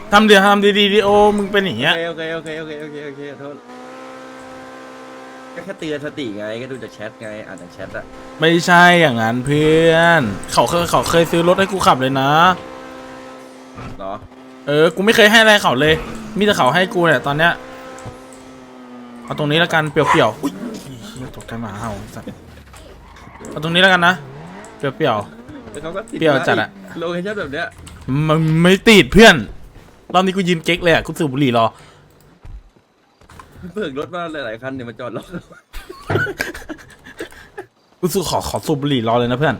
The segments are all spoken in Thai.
ทำดีโอมึงเป็นอย่างเงี้ยโอเคโทษก็แค่เตือนสติไงก็ดูจากแชทไงอ่านจากแชทอะไม่ใช่อย่างนั้นเพื่อนเขาเคยซื้อรถให้กูขับเลยนะเหรอกูไม่เคยให้อะไรเขาเลยมีแต่เขาให้กูเนี่ยตอนเนี้ยเอาตรงนี้แล้วกันเปรี้ยวๆอุ้ยตกใจหมาเห่าสัตว์เอาตรงนี้แล้วกันนะเปรี้ยวแต่เขาก็ติดเปรี้ยวจัดอะโลเคชั่นแบบเนี้ยมันไม่ติดเพื่อนรอบนี้กูยืนเก๊กเลยอะกูสูบบุหรี่รอเบิกรถมาหลายๆคันเนี่ยมาจอดรอกูสูขอสูบบุหรี่รอเลยนะเพื่อน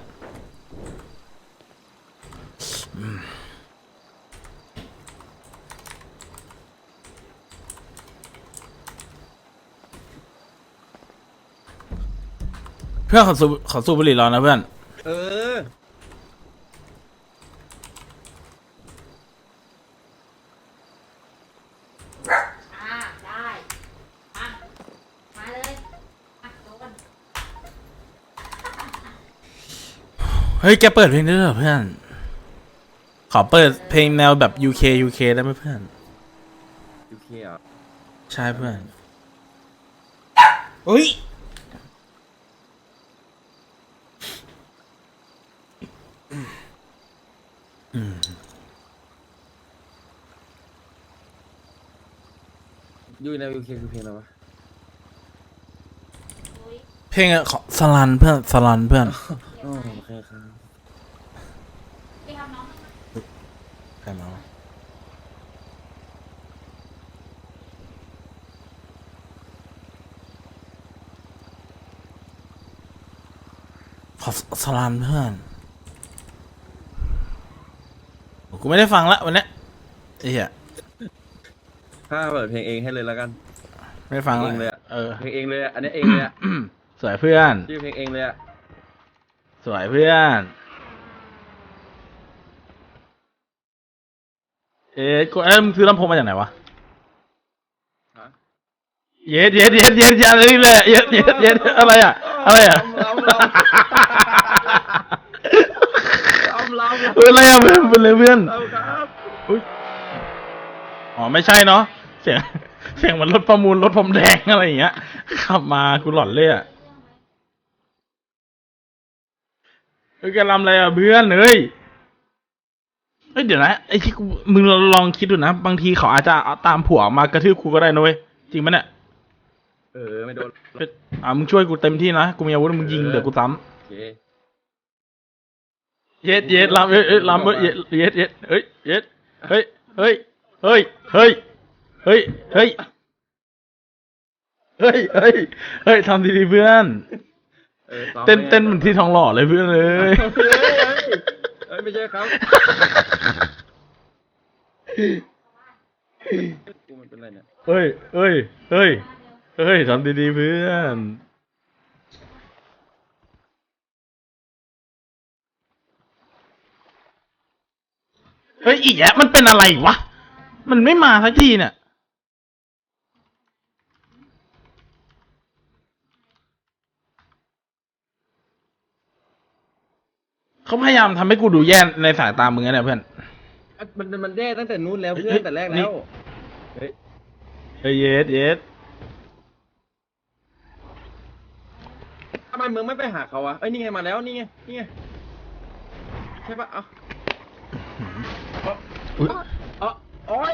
เพื่อนขอสูบบุหรี่รอนะเพื่อนได้มาเลยโดนเฮ้ยแกเปิดเพลงได้เหรอเพื่อนขอเปิดเพลงแนวแบบ UK ได้ไหมเพื่อน UK อ่ะใช่เพื่อนอุ้ยยูใน UK คือเพลงอะไรวะเพลงอะของสลันเพื่อนโอเคครับใครมาวะขอสลันเพื่อนกูไม่ได้ฟังละวันนี้ไอ้เหี้ยถ้าเปิดเพลงเองให้เลยแล้วกันไม่ฟังเองเลยเพลงเองเลยอันนี้เองเลยสวยเพื่อนชื่อเพลงเองเลยสวยเพื่อนกูมึงซื้อลำโพงมาจากไหนวะเย็ดอะไรนี่เลยเย็ดอะไรอ่ะอะไรอ่ะอะไรอ่ะเป็นเลยเพื่อนอ๋อไม่ใช่เนาะเสียงมันรถประมูลรถพรมแดงอะไรอย่างเงี้ยขับมากูหลอนเลยอ่ะแกรำอะไรอ่ะเพื่อนเฮ้ยเดี๋ยวนะไอ้ที่มึงลองคิดดูนะบางทีเขาอาจจะตามผัวมากระทืบกูก็ได้นะเว้ยจริงไหมเนี่ยไม่โดนมึงช่วยกูเต็มที่นะกูมีอาวุธมึงยิงเดี๋ยวกูซ้ำเย็ดลำลำเย็ดเฮ้ยทำดีๆเพื่อนเต้นเหมือนที่ทองหล่อเลยเพื่อนเลยไม่ใช่ครับมันเป็นไรเนี่ยเฮ้ยทำดีๆเพื่อนเฮ้ยอีกแล้วมันเป็นอะไรวะมันไม่มาสักทีเนี่ยเขาพยายามทำให้กูดูแย่ในสายตามึงนะเพื่อนมันแย่ตั้งแต่นู้นแล้วเพื่อนแต่แรกแล้วเย็ดทำไมมึงไม่ไปหาเขาวะนี่ไงมาแล้วนี่ไงใช่ปะโอ๊ย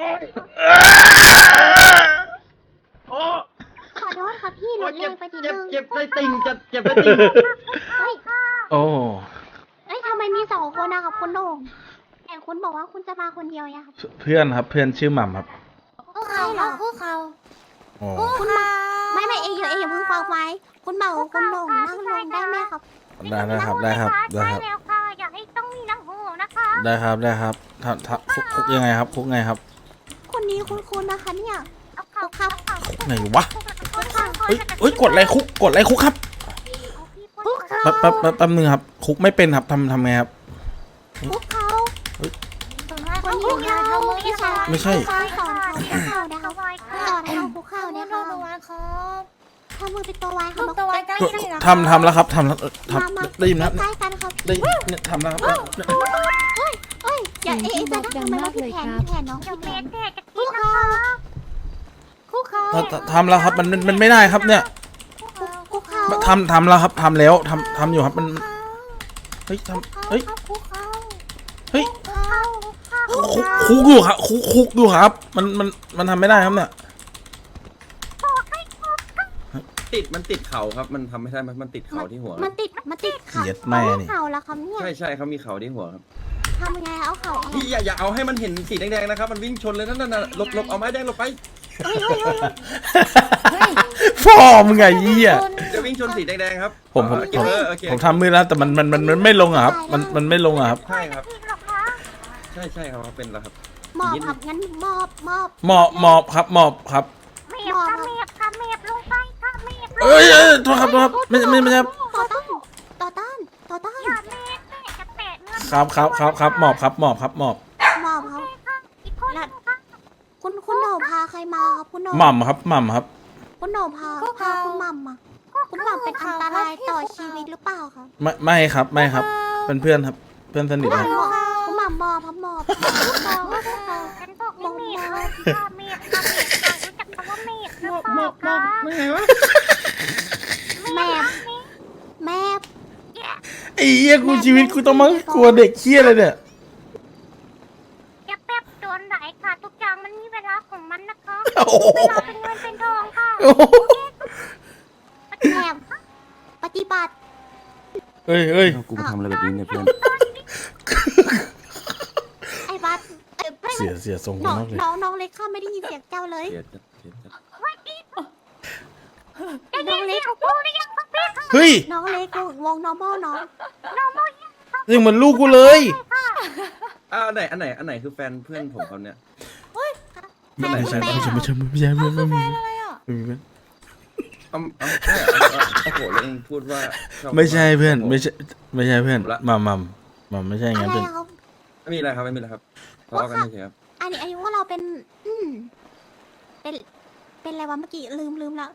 ขอโทษค่ะพี่หนูเล่นไปทีนึงเจ็บได้ติ่งเจ็บได้ติ่งโอ้ทำไมมี2 คนนะครับคุณโด่งแต่คุณบอกว่าคุณจะมาคนเดียวครับเพื่อนครับเพื่อนชื่อหม่ำครับเขาเหรอเขาคุณมาไม่เองอย่าเพิ่งฟังไว้คุณเบาคุณโด่งนั่งลงได้ไหมครับได้ครับแล้วค่ะอยากให้ต้องมีน้ำหูนะคะได้ครับคุกยังไงครับคุกไงครับคนนี้คุณนะคะเนี่ยคุกครับไหนวะเฮ้ยกดอะไรคุกครับแป๊บนึงครับคุกไม่เป็นครับทำไงครับคุกเขาคนนี้เขาไม่ใช่สอนเขาคุกเข่าเนี่ยค่ะทำมือเป็นตัววายครับทำแล้วครับทำได้ยินนะได้ทำแล้วครับเอ้ยอย่าเอ๊ะจะทำไมเราผิดแผนผิดแผนน้องผิดแผนคู่เขาคู่เขาทำแล้วครับมันไม่ได้ครับเนี่ยคู่เขาทำแล้วครับทำแล้วทำอยู่ครับมันเฮ้ยเฮ้ยคู่เขาเฮ้ยคู่เขาคุกอยู่ครับคุกอยู่ครับมันทำไม่ได้ครับเนี่ยมันติดเขาครับมันทำไม่ได้มันติดเขาที่หัวมันติดเขาเกลียดแม่นี่เขาแล้วครับเนี่ยใช่เขามีเขาที่หัวครับทำยังไงเอาเขาออกพี่อย่าเอาให้มันเห็นสีแดงๆนะครับมันวิ่งชนเลยนั่นน่ะหลบเอาไม้แดงหลบไปเฮ้ยเฮ้ยเฮ้ยพ่อมึงไงยี่อ่ะจะวิ่งชนสีแดงๆครับผมโอเคโอเคผมทำมือแล้วแต่มันไม่ลงอะครับมันไม่ลงอะครับใช่ครับใช่ครับเป็นแล้วครับหมอบครับงั้นหมอบหมอบครับหมอบครับเอ้ยโทษครับไม่ใช่ครับต่อต้านครับหมอบครับหมอบหมอบครับแล้วคุณโหน่พาใครมาครับคุณโหน่หม่ำครับคุณโหน่พาคุณหม่ำมาคุณหม่ำเป็นอันตรายต่อชีวิตหรือเปล่าครับไม่ครับเป็นเพื่อนครับเพื่อนสนิทครับคุณหม่ำหมอบครับหมอบฉันบอกไม่มีครับไม่ไงวะแม่ไอ้เหี้ยกูชีวิตกูต้องมากลัวเด็กเหี้ยเลยเนี่ยอย่าแป๊บโดนไหลค่ะทุกอย่างมันมีเวลาของมันนะคะโอ้โหเวลาเป็นเงินเป็นทองค่ะโอ้โหแม่ปฏิบัติเฮ้ยกูมาทำอะไรแบบนี้เนี่ยเพื่อนไอ้บัสเสียทรงน้องมากเลยน้องเล็กข้าไม่ได้ยินเสียงเจ้าเลยเสียจัดน้องเล็กพูดได้ยังพักเพี้ยค่ะเฮ้ยน้องเล็กวงน้องพ่อน้องยังเหมือนลูกกูเลยอันไหนคือแฟนเพื่อนผมเขาเนี่ยไม่ใช่เพื่อนเอาใช่เหรอโอ้โหแล้วเองพูดว่าชอบไม่ใช่เพื่อนไม่ใช่เพื่อนละมัมไม่ใช่อะงั้นไรเพื่อนครับไม่มีอะไรครับทะเลาะกันเฉยๆครับอันนี้ว่าเราเป็นเป็นอะไรวะเมื่อกี้ลืมแล้ว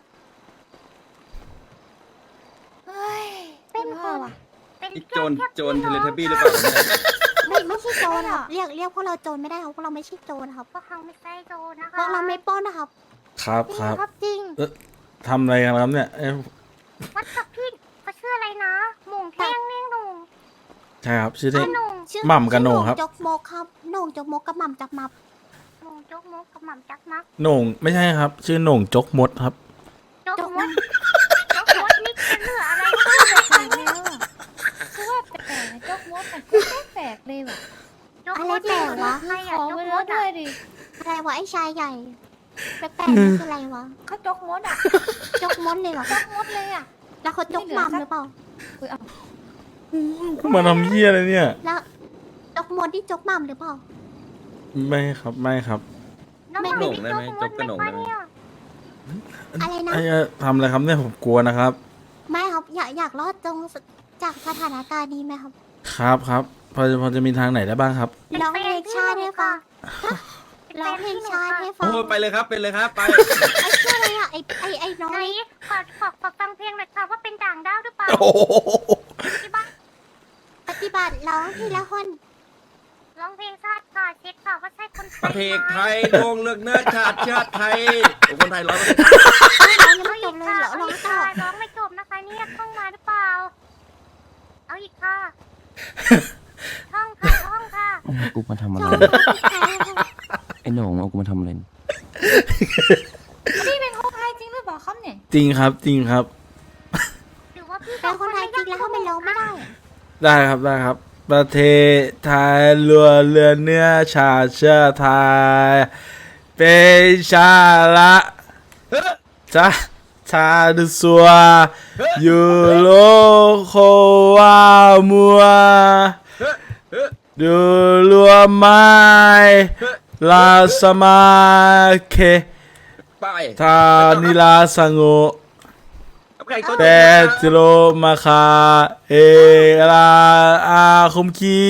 เป็นคนเป็นอีกโจรเทเลทับบี้หรือเปล่าเนี่ยไม่ใช่โจรครับเรียกพวกเราโจรไม่ได้ครับพวกเราไม่ใช่โจรครับพวกเขาไม่ใช่โจรนะพคะวกเราไม่ปล้นนะครับครับจริงทำอะไรกันครับเนี่ยวัดกับพี่เขาชื่ออะไรนะหม่งแท่งเน่งหนุ่งใช่ครับชื่อเท่หนุ่งชื่อหม่ำกับโหน่งครับจกมกครับโหน่งจกมกกับหม่ำจับมับหนุ่งจกมุกกับหม่ำจักมักโหน่งไม่ใช่ครับ ชื่อโหน่งจกมดครับจกมุกจกมุกนี่จะเหลืออะไรก็ไม่รู้คือว่าแปลกๆนะเจ้ามัวมันก็แปลกเลยว่ะจกมุกใครขอะอจกไปมุแล้วกด้วยดิอะไรวะไอ้ชายใหญ่แปลกๆนี่คืออะไรวะเขาจกมดอ่ะจกมดเลยเหรอจกมดเลยอ่ะแล้วเขาจกหม่ำหรือเปล่าอุ้ยเอามาทำเหี้ยอะไรเนี่ยแล้วจกมดที่จกหม่ำหรือเปล่าไม่ครับน้องไม่หหนุ่นุ่งงได้ไหมจกกระหนุ่งได้ไหมอะไรนะไอ้ทำอะไรครับเนี่ยผมกลัวนะครับไม่ครับอยากรอดจากสถานการณ์นี้ไหมครับครับพอจะมีทางไหนได้บ้างครับร้องเพลงชาติให้ฟังร้องเพลงชาติให้ฟัโอ้งไปเลยครับไปไอ้ชื่ออะไรอะไอ้น้องไหนเล็กขอฟังเพลงหน่อยค่ะว่าเป็นด่างดาวหรือเปล่าโอ้โหที่บ้านปฏิบัติร้องทีละคนร้องเพลงชาติค่ะเช็คค่ะว่าใช่คนไทประยเทศไหมไทยโด่งเลือกเนื้อชาติไทยคนไทยร้อยร้องยังไม่จบเลยเหรอร้องต่อร้องไม่จบนะคะเนี่ยท่องมาหรือเปล่า เอาอีกค่ะท่องค่ะกูมาทำอะจไรบไอ้โหน่งเอากูมาทำอะไรพี่เป็นคนไทยจริงหรือเปล่าครับเนี่ยจริงครับหรือว่าพี่เป็นคนไทยจริงแล้วเขาไม่ร้องไม่ได้ได้ครับ ประเทศไทยรัวเรือเนื้อชาติเชื้อไทยเป็นชาละชาดุสัวยูโรโความัวดูรัวไม้ลาสมาเคไปทานิลาสังโก เปตโลมาคาเอลาอาคมคี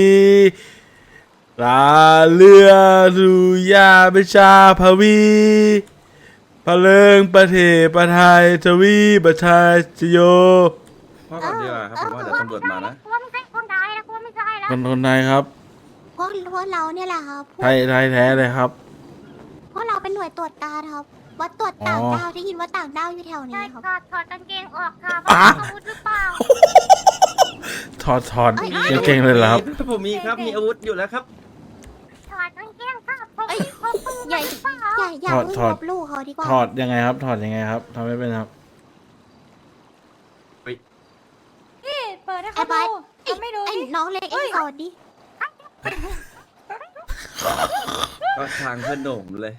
ลาเรือดุยาเบชาพวีพะเลิงประเทศประไทยทวีประชาชโยพ่อก่อนดีกว่าครับผมว่าเดี๋ยวตำรวจมานะกลัวไม่ใช่คนไทยนะกลัวไม่ใช่แล้วคนไทยครับพวกเราเนี่ยแหละครับไทยแท้เลยครับพวกเราเป็นหน่วยตรวจการครับว่าตรวจต่างอ๋อดาวได้ยินว่าต่างดาวอยู่แถวใช่นี้ครับค่ะถอดกางเกงออกค่ะอ่ะว่ามีอาวุธหรือเปล่าถอดเก่งๆเลยเหรอครับผมมีครับ มีอาวุธอยู่แล้วครับถอดกางเกงค่ะพกปืนใหญ่หรือเปล่าอย่าเพิ่งถอดลบลู่เขาดีกว่าถอดยังไงครับ ถอดยังไงครับทำไม่เป็นครับพี่เปิดให้ไอ้เขาบาดูสเขาไม่ดูไอ้ดิน้องเล็กไอ้สอดดิก็ทางเพื่อนโหน่งเลย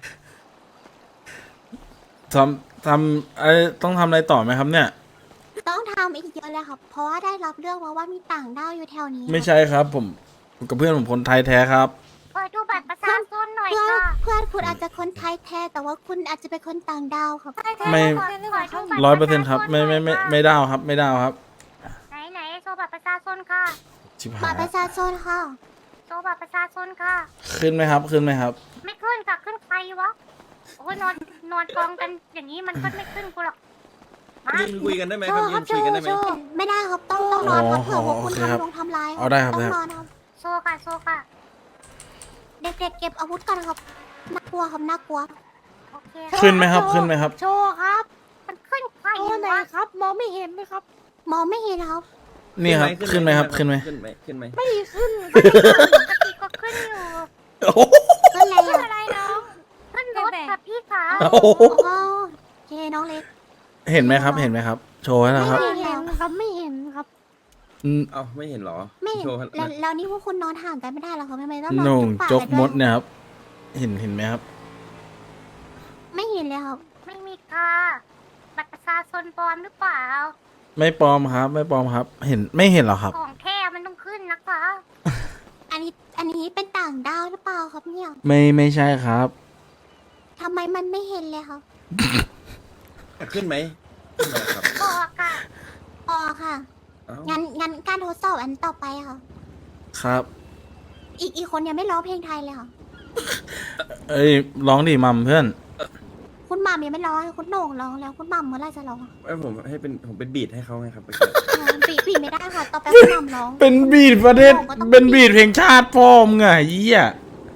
ทำอะไรต้องทำอะไรต่อไหมครับเนี่ยต้องทำอีกเยอะเลยครับ เพราะว่าได้รับเรื่องมาว่ามีต่างดาวอยู่แถวนี้ไม่ใช่ครับ ผมกับเพื่อนผมคนไทยแท้ครับเปิดดูบัตรประชาชนหน่อยเพื่อนค่ะเพื่อนคุณอาจจะคนไทยแท้ แต่ว่าคุณอาจจะเป็นคนต่างดาวครับใช่ใช่ไม่ใช่หรือเปล่าเขา 100%ครับไม่ได้ครับ ไม่ได้ครับไหนโชว์บัตรประชาชนค่ะชิบบัหาตยรประชาชนค่ะโชว์บัตรประชาชนค่ะขึ้นไหมครับ ขึ้นไหมครับไม่ขึ้นค่ะขึ้นใครวะโอ้ยนอนกองกันอย่างนี้มันก็ไม่ขึ้นกูหรอกมายืนคุยกันได้ไหมโชครับว์คยืรับนโชคุยกันได้ไหมว์โชว์ไม่ได้ครับต้องนอนครับเผื่อว่าคุณโอเคครับทำร้ายเอาได้ครับต้องได้ครับนอนครับโชว์ค่ะโชว์ค่ะเด็กๆเก็บอาวุธกันครับน่ากลัวครับน่ากลัวโอเคขึ้นไหมครับ ขึ้นไหมครับโชว์ครับมันขึ้นใครโชว์ไหนวะครับ มองไม่เห็นไหมครับมองไม่เห็นครับนี่ครับ ขึ้นไหมครับ ขึ้นไหมขึ้นไหมขึ้นไหมไม่ขึ้นปกติก็ขึ้นอยู่โอ้โหขึ้นอะไรขึ้นอ่ะอะไรน้องขึ้นรถค่ะพี่ขาโอ้โหโอ้โอเคน้องเล็กเห็นไหมครับ เห็นไหมครับ โชว์ให้นะครับไม่เห็นครับไม่เห็นครับอืมเอ้าไม่เห็นเหรอไม่เห็นโชว์แล้วนี่พวกคุณนอนห่างกันไม่ได้หรอครับทำไมต้องนอนหนุ่งจุ๊บปาจกนด้วยมดเนี่ยครับ เห็นไหมครับไม่เห็นเลยครับไม่มีค่ะบัตรประชาชนปลอมหรือเปล่าไม่ปลอมครับ ไม่ปลอมครับ ไม่เห็นเหรอครับของแท้มันต้องขึ้นนะคะอันนี้เป็นต่างดาวหรือเปล่าครับเนี่ยไม่ใช่ครับทำไมมันไม่เห็นเลยครับขึ้นไหมขึ้นไหมครับบอกค่ะอ๋อค่ะเอ้างั้นการทดสอบอันต่อไปค่ะครับอีกคนยังไม่ร้องเพลงไทยเลยค่ะเอ้ยร้องดิมัมเพื่อนคุณหม่ำยังไม่ร้องคุณโหน่งร้องแล้วคุณหม่ำเมื่อไหรจะร้องไม่ผมเป็นบีทให้เขาไงครับอ๋อปีไม่ได้ค่ะ ต่อไปคุณหม่ำร้องเป็นบีดประเทศ เป็นบีดเพลงชาติพ่อมึงไงเหี้ย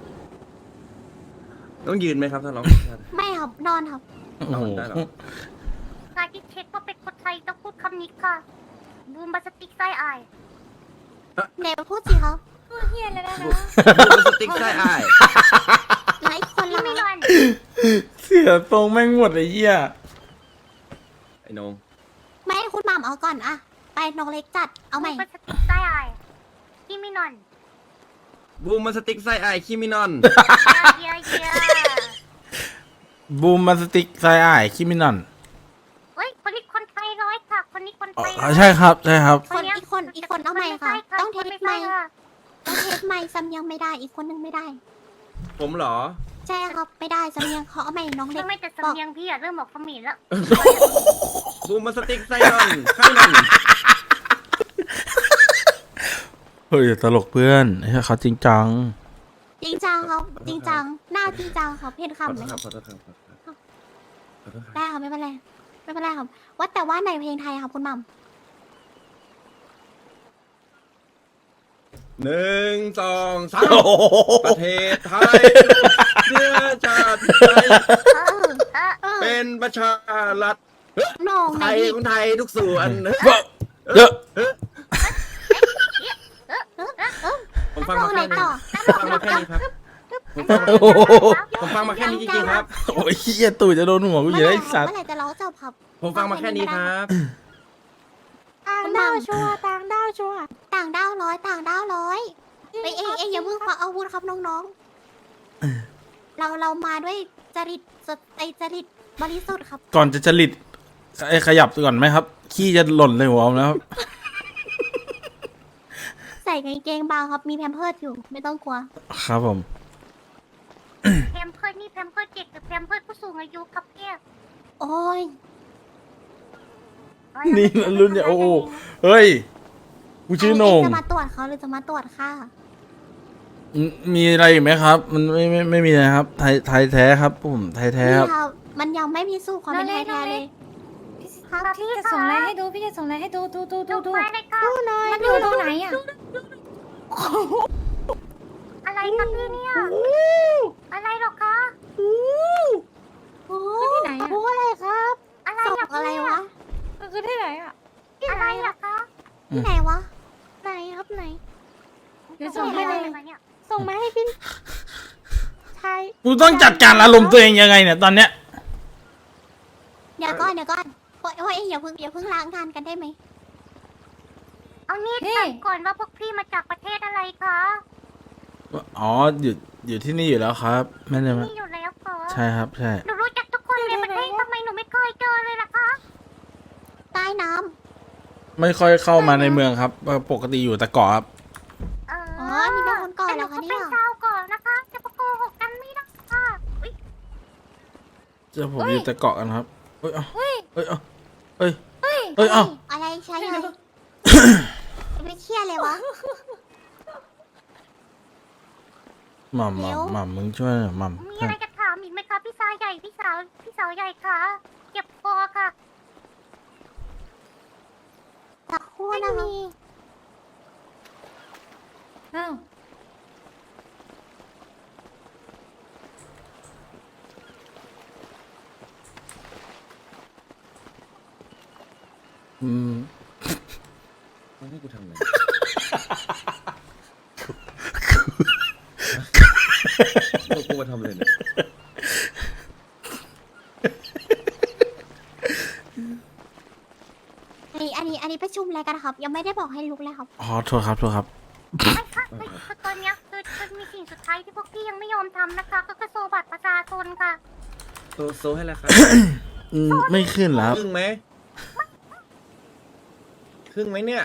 ต้องยืนไหมครับถ้าร้องไม่ครับนอนครับโอ้โหได้เหรอการที่เช็คว่าเป็นคนไทยต้องพูดคำนี้ค่ะบูมบาสติกไส้อายไหนมาพูดสิครับพูดเฮียเลยนะดูสติ๊กได้อ้ายแล้วอีกคนที่ละไม่นคะอนเสียทรงแม่งหมดไอ้เหี้ยไอ้นงไม่ให้คุณหม่ำเอาก่อนอะไปน้องเล็กจัดเอาใหม่บูมบาสติกไส้อายที่ไม่นอนบูมมาสติ๊กไส้อ้ายคิมินอนเยียบูมมาสติกไซอ้ายคิมินอนเฮ้ยคนนี้คนไทยร้อยค่ะ คนนี้คนอ๋ไทยอใช่ครับใช่ครับคนอีกคนเอาใหม่ค่ะ ต้องเทสใหม่ต้องเทสใหม่ซ้ำยังไม่ได้อีกคนนึงไม่ได้ผมเหรอใช่ครับไม่ได้ซ้ำยังเขาเอาใหม่น้องเล็กไม่แต่สำเนียงพี่อะเริ่มบอกเขมิ้นแล้วบูมมาสติ๊กไส้นอนไส้นอนเฮ้ยตลกเพื่อนไอ้เหี้ยเขาจริงจังจริงจังครับจริงจังหน้าจริงจังครับเห็นขอคำโทไหมษคครัรับบขอโทษครับขอโทษครับขอโทษครับได้ครับไม่เป็นไรไม่เป็นไรครับว่าแต่ว่าในเพลงไทยครับคุณหม่ำ 1 2 3ประเทศไทยเชื้อชาติไทย เป็นประชารัฐโหน่งไทในยที่คนไทยทุกส่วนเยอะผมฟังโหมาน่งแค่ไหนนี้ต่อผมฟังมาแค่นี้ครับ ผมฟังมาแค่นี้จริงๆครับโอ้ยเหี้ยตู่จะโดนหัวกูอยู่แล้วไอ้สัตว์เมื่อไหร่จะร้องจบครับผมฟังมาแค่นี้ครับต่างดาวชัวร์ต่างดาวชัวร์ต่างดาวร้อยต่างดาวร้อยไปเองอย่าเพิ่งควักอาวุธครับน้องๆเรามาด้วยจริตสดใจจริตบริสุทธิ์ครับก่อนจะจริตไอ้ขยับก่อนไหมครับ ขี้จะหล่นเลยหัวผมแล้วครับใส่กางเกงบางครับมีแพมเพิร์ดอยู่ไม่ต้องกลัวครับผมแพมเพิร์ดนี่แพมเพิร์ดเด็กหรือแพมเพิร์ดผู้สูงอายุครับพี่โอ้ยนี่รุ่นเนี่ยโอ้โหเฮ้ย กูชื่อโหนงจะมาตรวจเขาหรือจะมาตรวจค่ะมีอะไรอีกไหมครับ มันไม่มีนะครับ ไทยแท้ครับผมไทยแท้นี่ครับครับมันยังไม่พิสูจน์ความเป็นไทยแท้เลยพี่จะส่งอะไรให้ดูพี่จะส่งอะไรให้ดูดูดูไปเลยค่ะมันอยู่ตรงไหนอ่ะอะไรอะไรครับพี่เนี่ยอะไรหรอคะโอ้ที่ไหนอะโหอะไรครับอะไรส่งอะอะไรวะมันคือที่ไหนอ่ะอะไรอะคะที่ไหนวะ ไหนครับไหนเดี๋ยวส่งให้เลยเนี่ยส่งมาให้พี่ชายกูต้องจัดการอารมณ์ตัวเองยังไงเนี่ยตอนเนี้ยเดี๋ยวก่อนว่าเอ้ยอย่าเพิ่งล้างงานกันได้ไหมเอานี่เฮ้ถามก่อนว่าพวกพี่มาจากประเทศอะไรคะอ๋ออยู่ที่นี่อยู่แล้วครับไม่ได้มานี่อยู่แล้วคะใช่ครับใช่หนูรู้จักทุกคนในประเทศทำไมหนูไม่เคยเจอเลยล่ะคะใต้น้ไม่ค่อยเข้ามาในเมืองครับปกติอยู่แต่เกาะครับอ๋อนี่เป็นคนก่อนเหรอคะเนี่ยแต่หนูก็เป็นชาวก่อนนะคะจะมาโกหกกันไม่ได้ค่ะอุ๊ยเจอผมอยู่แต่เกาะกันครับเอ้ยเอาเอ้ยเอาเอ้ยำเอ้ยเอาอะไรใช่ไหมไม่เครียดเลยวะหม่ำเดี๋ยวหม่ำมึงช่วยหน่อยหม่มีอะไรจะถามอีกไหมคะพี่สาวใหญ่พี่สาวใหญ่คะเจ็บคอค่ะสักครู่นะคะอ้าวมันให้กูทำอะไรกูมาทำอะไรเนี่ยอันนี้ประชุมอะไรกันครับ ยังไม่ได้บอกให้ลุกเลยครับอ๋อโทษครับโทษครับไม่ค่ะไม่คือตอนเนี้ยคือมีสิ่งสุดท้ายที่พวกพี่ยังไม่ยอมทำนะคะ ก็คือโซบัตรประชาชนค่ะโซให้แล้วครับไม่ขึ้นแล้วครึ่งไหมครึ่งไหมเนี่ย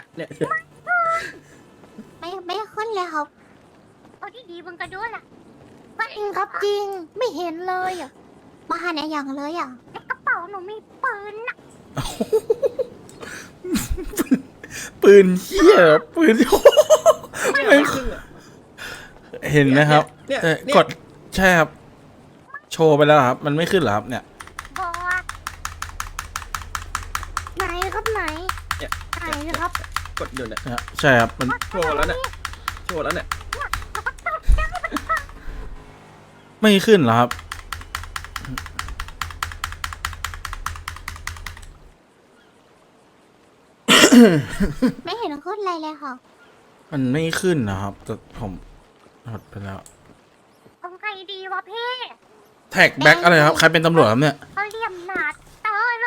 ไม่ขึ้นเลยครับเอาดีๆมึงก็ด้วยล่ะจริงครับจริง ไม่เห็นเลยอ่ะ มาหาในอย่างเลยอ่ะในกระเป๋าหนูมีปืนน่ะปืนเหี้ยปืน ไม่เห็นนะครับเนี่ยแต่เนี่ยกดใช่ครับ โชว์ไปแล้วครับ มันไม่ขึ้นเหรอครับเนี่ยบอไหนครับไหนเนี่ยไหนนะครับกดอยู่เนี่ยใช่ครับมันโชว์แล้วเนี่ยโชว์แล้วเนี่ยไม่ขึ้นเหรอครับไม่เห็นขึ้นอะไรเลยค่ะมันไม่ขึ้นนะครับแต่ผมหดไปแล้วทำไงดีวะพี่แท็กแบ็กอะไรครับ ใครเป็นตำรวจครับเนี่ยเขาเหลี่ยมหนาเตอเลย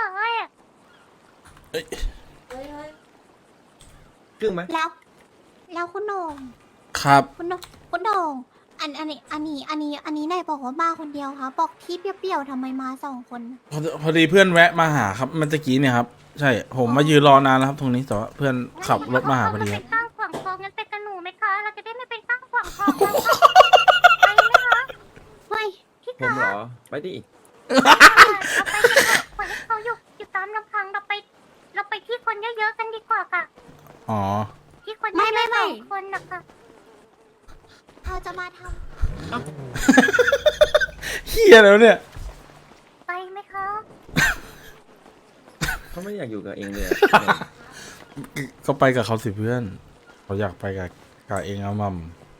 ครึ่งไหมแล้วคุณโหน่งครับคุณโหน่งอันนี้นายบอกว่ามาคนเดียวค่ะ บอกที่เปรี้ยวๆทำไมมาสองคนพอดีเพื่อนแวะมาหาครับเมื่อกี้เนี่ยครับ ใช่ ผมมายืนรอนานแล้วครับตรงนี้แต่ว่าเพื่อนขับรถมาหาพอดีคเป็รับนตั้งขวางคลองงั้นไปกับหนูไหมคะ เราจะได้ไม่เป็นตั้งขวางคลองแล้วค่ะไปไหมคะเฮ้ยพี่ผมคะเหรอ ไปดิเราไปกันเถอะปล่อยให้เขาอยู่ตามลำพังเราไปที่คนเยอะๆกันดีกว่าค่ะอ๋อที่คนเยอะๆสองคนนะคะเราจะมาทเฮียแล้วเนี่ยไปไหมคะเขาไม่อยากอยู่กับเองเลยอะก็ไปกับเขาสิเพื่อนเขาอยากไปกับเองเอามัม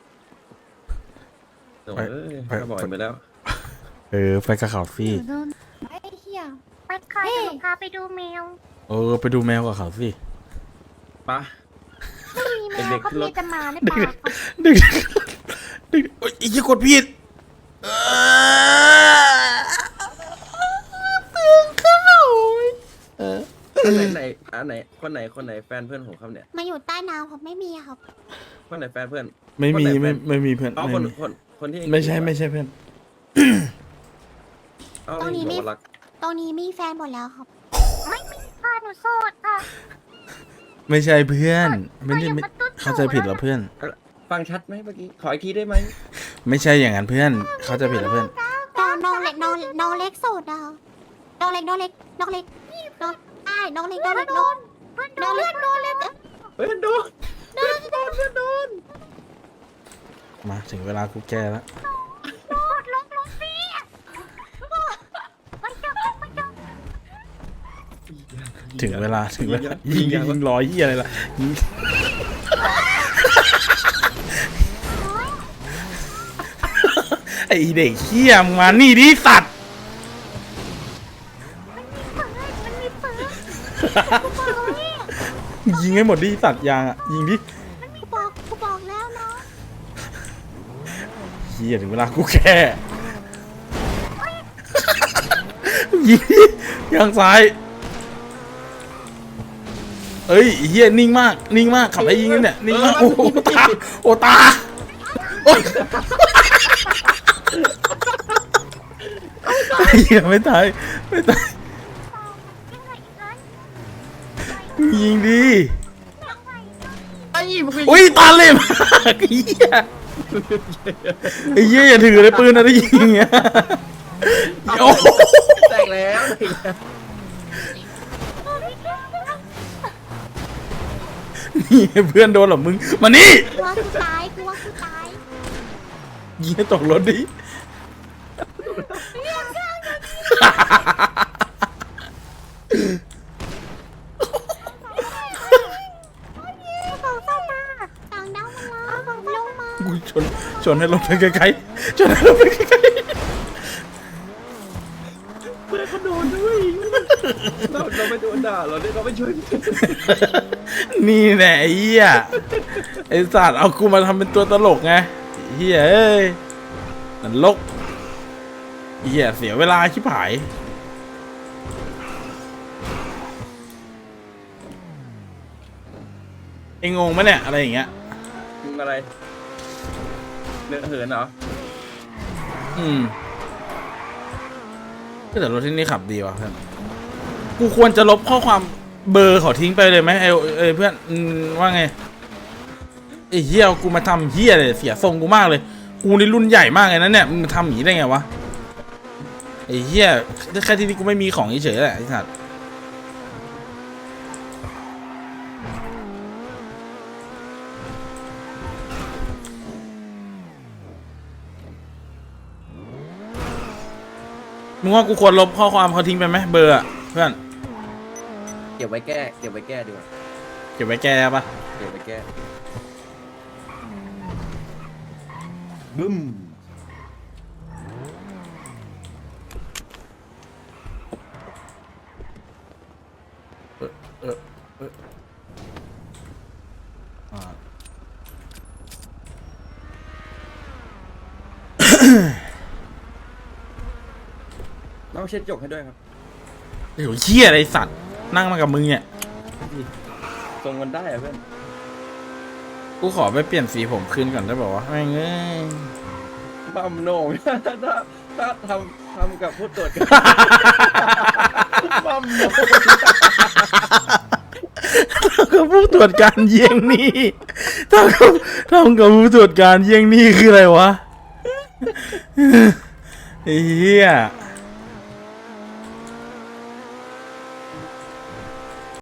โอ้ยเขาบอกไปแล้วไปกับเขาสิโดนไอ้เหี้ยไปค่ะเดี๋ยวหนูพาไปดูแมวไปดูแมวกับเขาสิปะำมีแมวเด็กๆเขาขึ้นรมีถแต่หมาในป่าครับดึงโอ้ยอีกกดผิดเปลืองข้าวคนไหนแฟนเพื่อนผมครับเนี่ยมาอยู่ใต้น้ำครับไม่มีครับคนไหนแฟนเพื่อนไม่มีคนไหนแฟนไม่มีเพื่อนอ๋อไม่มีคนที่ไม่ใช่เพื่อนเอ้าตรงนี้บอกมีว่ารักตรงนี้มีแฟนหมดแล้วครับไม่มีค่ะหนูโสดค่ะไม่ใช่เพื่อนไม่ได้อย่าไม่มาตุ๊ดเข้าใจผิดแล้วเพื่อนฟังชัดไหมเมื่อกี้ ขออีกทีได้ไหมไม่ใช่อย่างนั้นเพื่อน เข้าใจผิดแล้วเพื่อนน้องเล็กโสดนะคะน้องเล็กน้องเล็กน้องเล็กน้องเล็กน้องเล็กน้องเล็กเฮ้ยโดนมาถึงเวลากูแก้แล้วลงสิไปเจอถึงเวลายิงร้อยเหียอะไรล่ะยิงไอเด็กเหี้ยมึงมานี่ดิสัตว์มันมีปืนยิงให้หมดดิสัตว์ยางอ่ะยิงดิกูบอกแล้วเนาะเหี้ยถึงเวลากูแค่ยิงดิยางซ้ายเอ้ยเหี้ยนิ่งมากนิ่งมากขับไปยิงกันเนี่ยนิ่งมากโอ้โหตาโอ้ตาโอ้ยเหี้ยไม่ตายไม่ตายยิงดิไอ้มึงอุ้ยตาเล่มากไอ้เหี้ยไอ้เหี้ยอย่าถือเลยปืนนะได้ยิงอ่ะโอ้โหแตกแล้วนี่เพื่อนโดนเหรอมึงมานี่กูว่ากูตายกูว่ากูตายยิงให้ตกรถดิต่างดาวมาลงมากูชนให้รถไปไกลๆชนให้รถไปไกลเพื่อนเขาโดนด้วยเราไม่โดนด่าเราเนี่ยเราไม่ช่วยๆนี่แหละไอ้เหี้ยไอ้สัตว์เอากูมาทำเป็นตัวตลกไงไอ้เหี้ยเอ้ยนรกไอ้เหี้ยเสียเวลาชิบหายเอ็งงงไหมเนี่ยอะไรอย่างเงี้ยมึงอะไรเนื้อเหินเหรอก็แต่รถที่นี่ขับดีว่ะเพื่อนกูควรจะลบข้อความเบอร์เขาทิ้งไปเลยไหมไอ้เพื่อนว่าไงไอ้เฮียกูมาทำเฮียเลยเสียทรงกูมากเลยกูนี่รุ่นใหญ่มากเลยนะเนี่ยมึงทำอย่างนี้ได้ไงวะไอ้เฮียแค่ที่นี่กูไม่มีของเฉยๆแหละไอ้สัตว์มึงว่ากูควรลบข้อความเขาทิ้งไปไหมเบอร์อะเพื่อนเก็บไว้แก้ดีกว่าเก็บไว้แก้ปะเก็บไว้แก้บึ้ม น้องเช็ดจกให้ด้วยครับไอ้หัวเฮียอะไรสัตว์นั่งมากับมึงเนี่ยทรงมันได้อะเพื่อนกูขอไปเปลี่ยนสีผมคืนก่อนได้ป่าวะแม่งเอ้ยบัมโหน่ง ถ้าทำกับผู้ตรวจการบัมโหน่งกับผู้ตรวจการเยี่ยงนี่ทำกับผู้ตรวจการเยี่ยงนี่คืออะไรวะไอ้เหี้ย